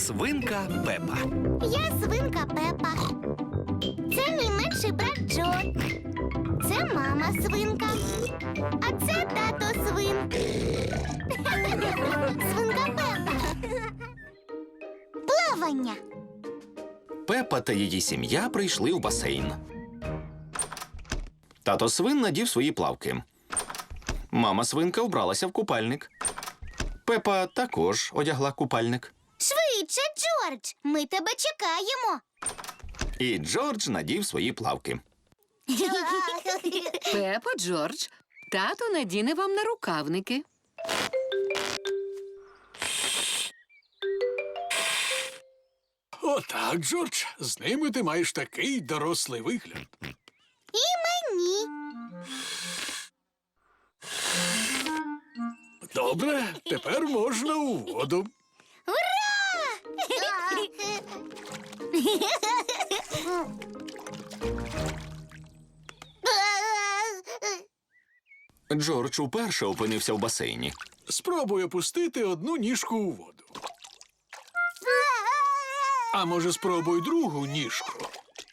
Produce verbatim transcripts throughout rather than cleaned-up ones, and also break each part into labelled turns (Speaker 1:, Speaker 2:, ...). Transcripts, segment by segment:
Speaker 1: Свинка Пепа.
Speaker 2: Я свинка Пепа. Це мій менший брат Джо. Це мама свинка. А це тато свин. Свинка Пепа. Плавання.
Speaker 1: Пепа та її сім'я прийшли у басейн. Тато свин надів свої плавки. Мама свинка вбралася в купальник. Пепа також одягла купальник.
Speaker 2: Швидше, Джордж, ми тебе чекаємо.
Speaker 1: І Джордж надів свої плавки.
Speaker 3: Пепо, Джордж, тато надіне вам нарукавники.
Speaker 4: Отак, Джордж, з ними ти маєш такий дорослий вигляд.
Speaker 2: І мені.
Speaker 4: Добре, тепер можна у воду.
Speaker 1: Джордж уперше опинився в басейні.
Speaker 4: Спробуй опустити одну ніжку у воду. А може, спробуй другу ніжку.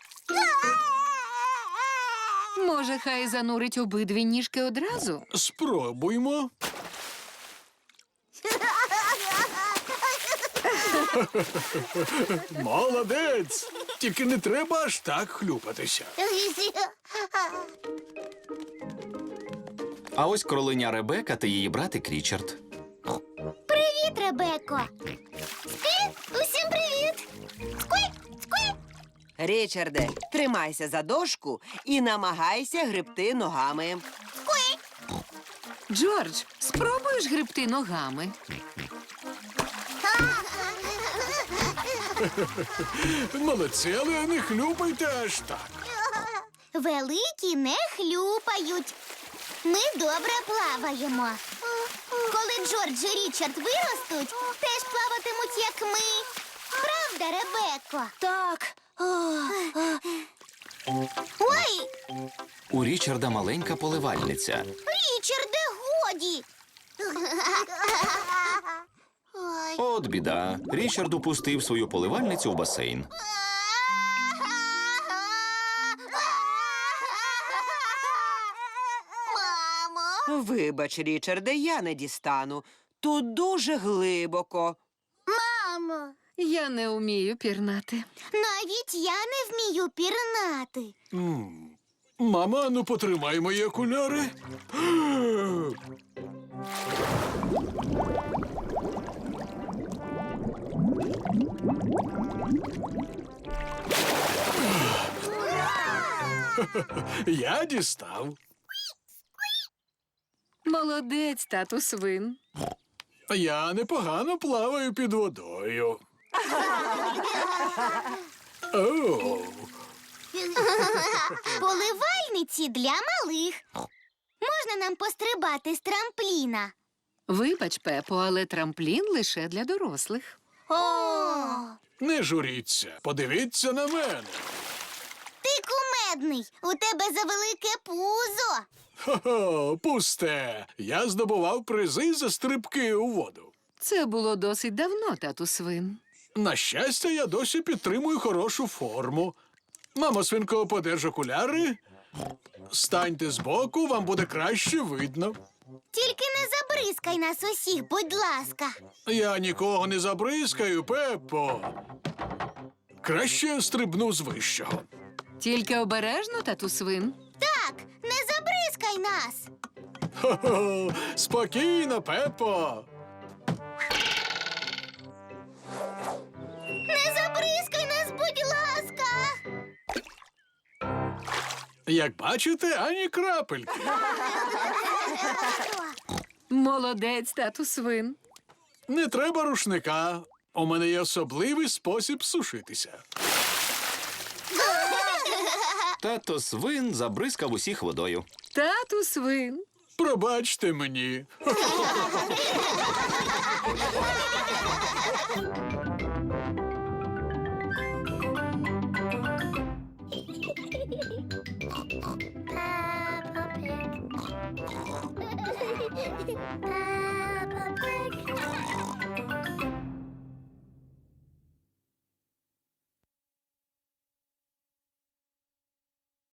Speaker 3: Може, хай занурить обидві ніжки одразу?
Speaker 4: Спробуймо. Молодець! Тільки не треба аж так хлюпатися.
Speaker 1: А ось кроленя Ребека та її братик Річард.
Speaker 2: Привіт, Ребеко. Скві, усім привіт. Скві, скві.
Speaker 5: Річарде, тримайся за дошку і намагайся гребти ногами.
Speaker 3: Джордж, спробуєш гребти ногами?
Speaker 4: Молодці, але не хлюпайте аж так.
Speaker 2: Великі не хлюпають. Ми добре плаваємо. Коли Джордж і Річард виростуть, теж плаватимуть, як ми. Правда, Ребеко? Так. Ой,
Speaker 1: У Річарда маленька поливальниця.
Speaker 2: Річарде, годі. Ой.
Speaker 1: От біда. Річард упустив свою поливальницю в басейн.
Speaker 2: Мамо.
Speaker 5: Вибач, Річарде, я не дістану. Тут дуже глибоко.
Speaker 2: Мамо.
Speaker 3: Я не вмію пірнати.
Speaker 2: Навіть я не вмію пірнати.
Speaker 4: М. Мама, ну потримай мої окуляри. Я дістав.
Speaker 3: Молодець, тату свин.
Speaker 4: Я непогано плаваю під водою. О,
Speaker 2: Поливальниці для малих. Можна нам пострибати з трампліна?
Speaker 3: Вибач, Пепо, але трамплін лише для дорослих.
Speaker 2: О,
Speaker 4: не журіться, подивіться на мене.
Speaker 2: ти кумедний. У тебе завелике пузо.
Speaker 4: Хо-хо, пусте. Я здобував призи за стрибки у воду.
Speaker 3: Це було досить давно, тату свин.
Speaker 4: На щастя, я досі підтримую хорошу форму. Мамо, свинко, подерж окуляри. Станьте збоку, вам буде краще видно.
Speaker 2: Тільки не забризкай нас усіх, будь ласка.
Speaker 4: Я нікого не забризкаю, Пеппо. Краще стрибну з вищого.
Speaker 3: Тільки обережно, тату свин.
Speaker 2: Так, не забризкай нас.
Speaker 4: Хо-хо, спокійно, Пеппо.
Speaker 2: Не забризкай нас, будь ласка.
Speaker 4: Як бачите, ані крапельки.
Speaker 3: Молодець, тату свин.
Speaker 4: Не треба рушника. У мене є особливий спосіб сушитися.
Speaker 1: Тато свин забризкав усіх водою.
Speaker 3: Тату свин.
Speaker 4: Пробачте мені.
Speaker 2: Peppa Pig.